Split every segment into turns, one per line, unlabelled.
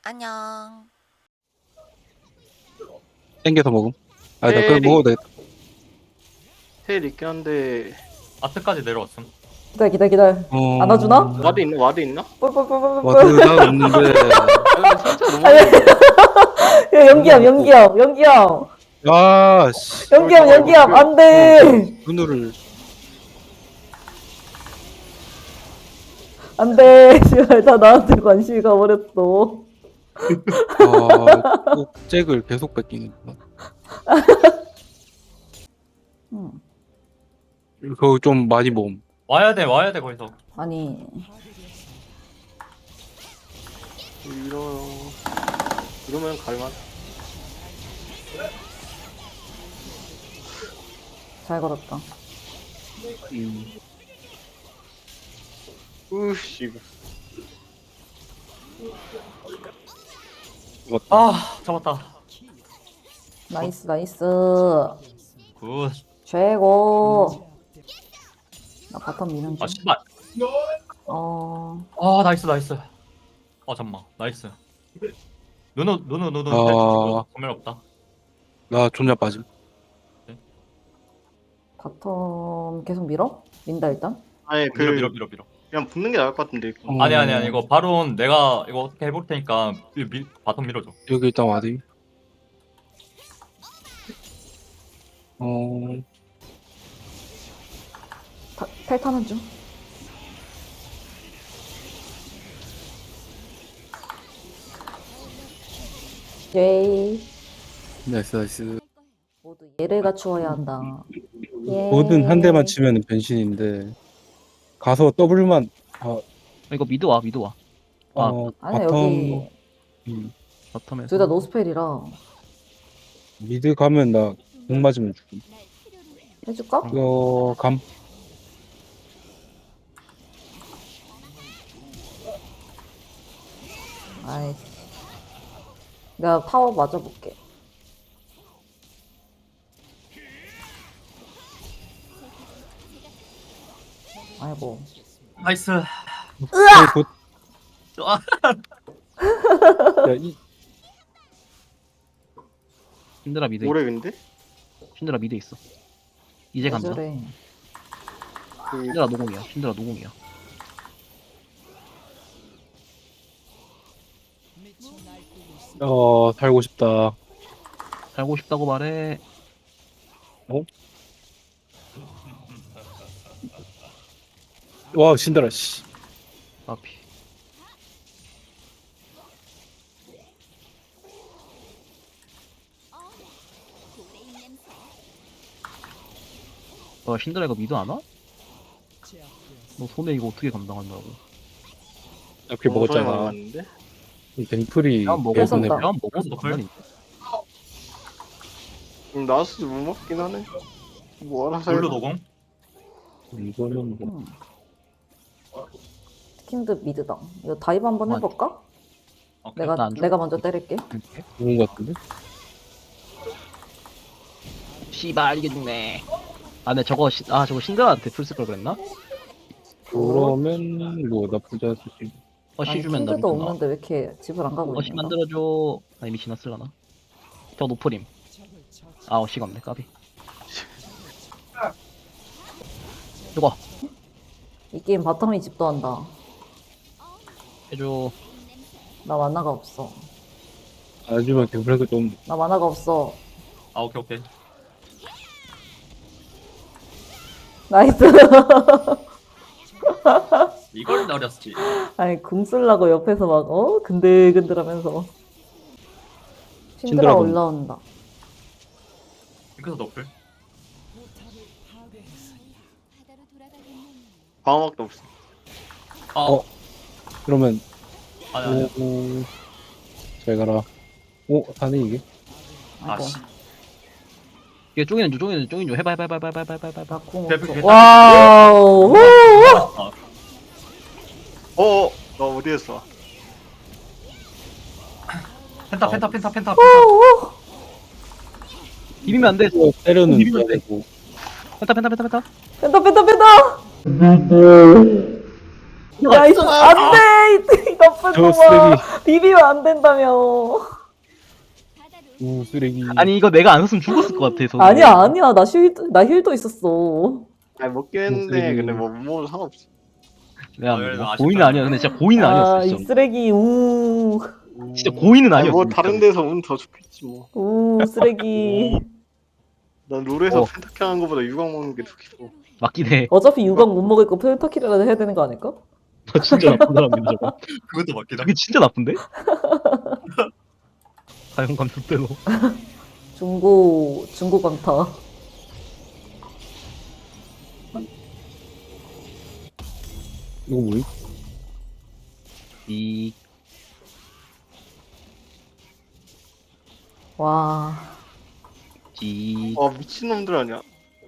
안녕.
땡겨서 먹음. 아, 나 그거
테일이-
먹어도 되겠다.
테일 있긴 한데
아트까지 내려왔음.
기다려. 안아주나?
와드 있나? 와드 있나?
뿔뿔뿔뿔뿔.
와드가 없는데.
아, 진짜 너무
야, 연기함.
아, 씨.
연기함. 안 돼.
눈을.
안 돼. 씨발, 다 나한테 관심이 가버렸어.
아, 꼭 잭을 계속 뺏기는구나. 그거 좀 많이 모음.
와야 돼 거기서.
아니,
이러면 갈만.
잘 걸었다.
으씨 이거.
아 잡았다.
나이스.
굿.
최고. 나 바텀 미는 중.
아 씨발. 아 나이스. 잠만 나이스. 누누
아.
전멸 없다.
나 존나 빠짐.
바텀 계속 밀어? 민다 일단.
아니 그
밀어.
그냥 붙는 게 나을 것 같은데.
아니 이거 바론 내가 이거 어떻게 해볼 테니까 바텀 밀어줘.
여기 일단 와드.
텔 타는 중. 예이.
나이스.
모두 얘를 갖추어야 한다. 예.
뭐든 한 대만 치면 변신인데. 가서 W만,
이거 미드 와. 아,
아니
바텀,
여기
바텀에서.
둘 다 노스펠이라
미드 가면 나 공 맞으면 죽음.
해줄까?
이거 감.
아이. 내가 타워 맞아볼게. 아이고.
나이스.
곧.
아.
야,
신드라 미드.
오래 근데?
신드라 미드 있어. 이제 간다.
저래.
그
신드라 노공이야.
살고 싶다.
살고 싶다고 말해.
와, 신들아, 씨.
아피. 신드라 이거 미드 안 와? 너 손에 이거 어떻게 감당한다고?
이렇게 먹었잖아.
왔는데?
댕풀이
뺨 먹어.
뺏었다.
예전에
뺨 먹어.
뺏었다.
나스도 못 먹긴 하네. 뭐 알아서
블루
해봐.
노공.
이거는 뭐
스킨드 미드다. 이거 다이브 한번 해볼까?
오케이.
나안 줘.
내가 먼저 때릴게.
좋은 것 같은데?
씨발 이게 죽네. 아, 근데 저거 신드라한테 풀 쓸 걸 그랬나?
그러면 뭐 나쁘지 않을 수 있지.
어시 주면 나
킨드도
미드 나와.
없는데 왜 이렇게 집을 안 가고
어시
있는 거야?
만들어줘. 아, 이미 지났을라나? 더 노프림. 아, 어시가 없네. 까비. 죽어.
이 게임 바텀이 집도한다.
해줘.
나 만화가 없어.
하지만 댕풀도 좀
나 만화가 없어.
아 오케이.
나이스.
이걸 노렸지.
아니 궁 쓰려고 옆에서 막 근들근들하면서. 신드라
신드라
올라온다.
핑크서 너플.
방어막도 없어.
아
그러면
아니.
잘 가라. 사네 이게.
아이고.
아씨.
이게 쫑이는 해봐.
나궁
대표
없어.
계단.
와우.
아,
어어 나 어디였어?
펜타.
비비면 안 돼.
때려는
비비면 돼.
되고.
펜타.
뺀다. 나이스. 안돼. 이 나쁜
저
놈아.
쓰레기.
비비면 안 된다며.
우 쓰레기.
아니 이거 내가 안 썼으면 죽었을 것 같아. 저거.
아니야. 나 힐도 있었어.
아니 먹긴 했는데
쓰레기.
근데 뭐 못 먹어도 상관없어.
내가
그래도
뭐
아쉽다.
고의는 아니야. 근데 진짜 고의는 아니었어.
이
진짜.
쓰레기,
진짜 고의는
아니
아니었어.
뭐
진짜.
다른 데서 운 더 좋겠지 뭐.
쓰레기.
난 롤에서
어.
펜타킬 하는 거보다 유광 먹는 게 더 기뻐.
맞긴 해.
어차피 유광 못 먹을 거 펜타킬이라도 해야 되는 거 아닐까?
저 진짜 나쁜 사람인데 저거.
그것도 맞긴
저게 진짜 나쁜데? 사용감 족대로.
중고 강타.
이거 뭐임?
이
와.
지.
아 미친놈들 아니야.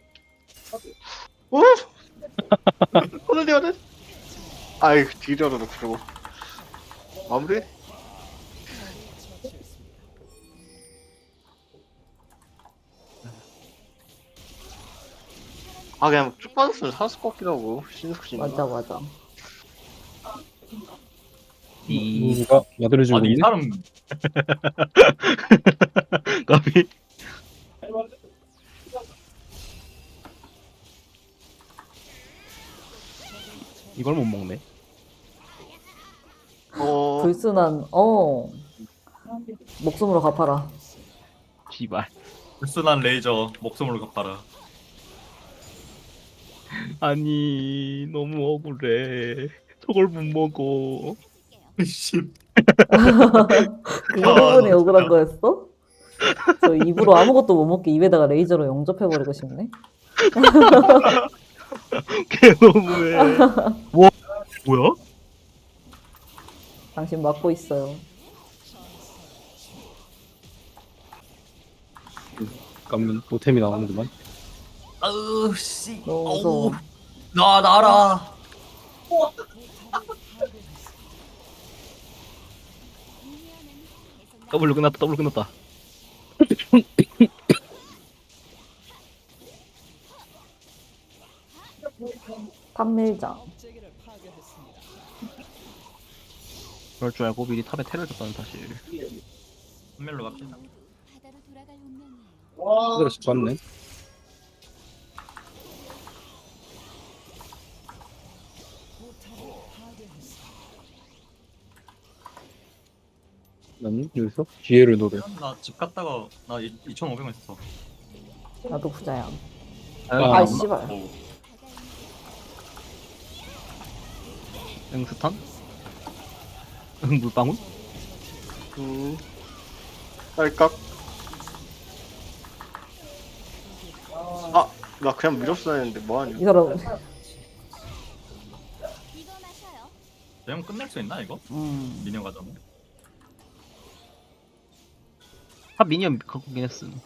어? 오늘 해야 돼? 아이 딜이라도 그러고 마무리? 아 그냥 쭉 빠졌으면 살았을 것 같기도 하고 신숙신
맞아.
이
누가 야들해주고
아니 이
있네?
사람
까비. 이걸 못 먹네.
불순한, 목숨으로 갚아라.
씨발.
불순한 레이저 목숨으로 갚아라.
아니 너무 억울해. 저걸 못 먹어.
씨.
그 부분이 억울한 거였어? 저 입으로 아무것도 못 먹게 입에다가 레이저로 영접해버리고 싶네.
걔 너무해. 뭐 뭐야?
당신 막고 있어요.
까면 보템이 나오는구만.
아우 씨.
너무 무서워.
나 나라.
더블로 끝났다. 더블로 끝났다.
판밀장.
그럴 줄 알고 미리 탑에 테를 줬다는 사실.
한멜로 갑시다.
바다로 돌아갈 운명이에요.
그대로 집 갔네. 나는 여기서 기회를 노려.
나 집 갔다가 나 2,500원 있었어.
나도 부자야.
아,
아, 씨발.
오.
응스탄? 응 물방울?
딸깍 나 그냥 밀었어야 했는데 뭐하냐
이 사람,
이거 마셔요.
대형 끝낼 수 있나 이거? 미니언 가자면.
탑 미니언 갖고 오긴 했음.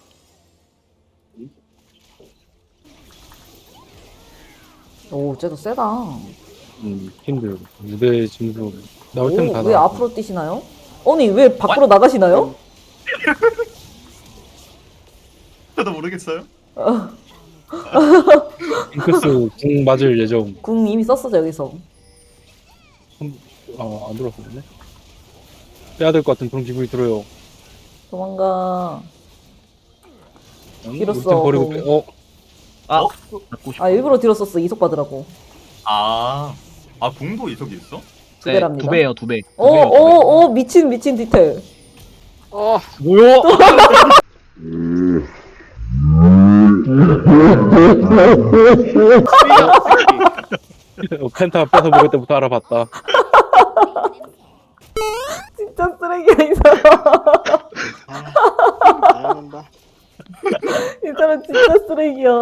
오, 쟤도 세다.
힘들어. 무대 점수 나올 때는 다
오, 왜
나와.
앞으로 뛰시나요? 아니, 왜 밖으로 나가시나요?
저도 모르겠어요.
잉크스 궁 맞을 예정.
궁 이미 썼어, 여기서.
안 들어왔었네. 빼야 될 것 같은 그런 기분이 들어요.
도망가. 길었어,
템 버리고
그거.
빼.
아 갖고 싶어.
아, 일부러 뒤로 썼어. 이속 받으라고.
아 궁도 이속이 있어?
두 배랍니다.
두 배예요, 두 배.
오, 미친 디테일.
뭐야?
펜타 뺏어 먹을 때부터 알아봤다.
진짜 쓰레기야, 이 사람.
잘한다
이 사람 진짜 쓰레기야.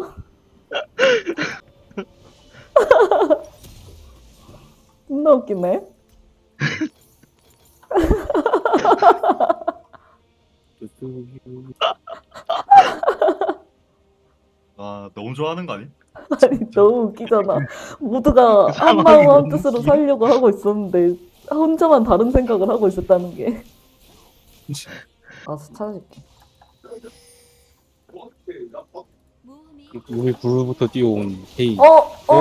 존나 웃기네.
아 너무 좋아하는 거 아니?
아니, 너무 웃기잖아. 모두가 한 마음 한 뜻으로 살려고 하고 있었는데 혼자만 다른 생각을 하고 있었다는 게. 알았어, 찾아줄게.
모험이
우리 부르부터 뛰어온 헤이.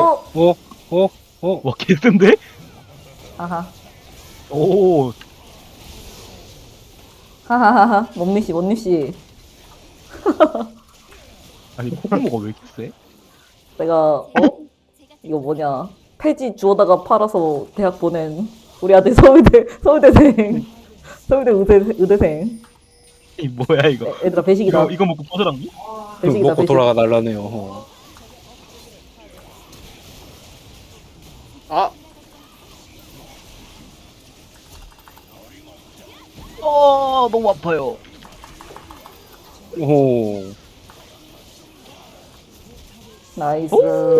어.
와 개센데?
아하.
오
하하하하. 원미씨, 원미씨.
아니 코코모가 왜 이렇게 세?
내가, 이거 뭐냐. 폐지 주워다가 팔아서 대학 보낸 우리 아들 서울대생. 서울대 의대생.
이 뭐야 이거?
얘들아, 배식이다.
이거 먹고 포즈랑
배식이다,
먹고
배식.
돌아가 날라네요.
아
너무 아파요.
오.
나이스.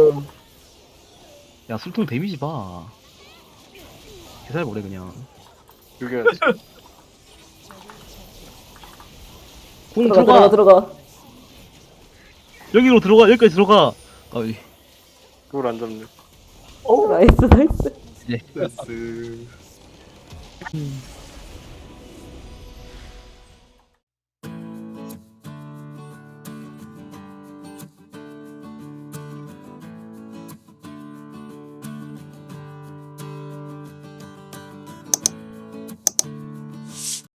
야 술통 데미지 봐. 개살 보래 그냥.
죽여야지.
궁
들어가.
여기로 들어가 여기까지 들어가. 어이.
그걸 안 잡네.
나이스.
나이스.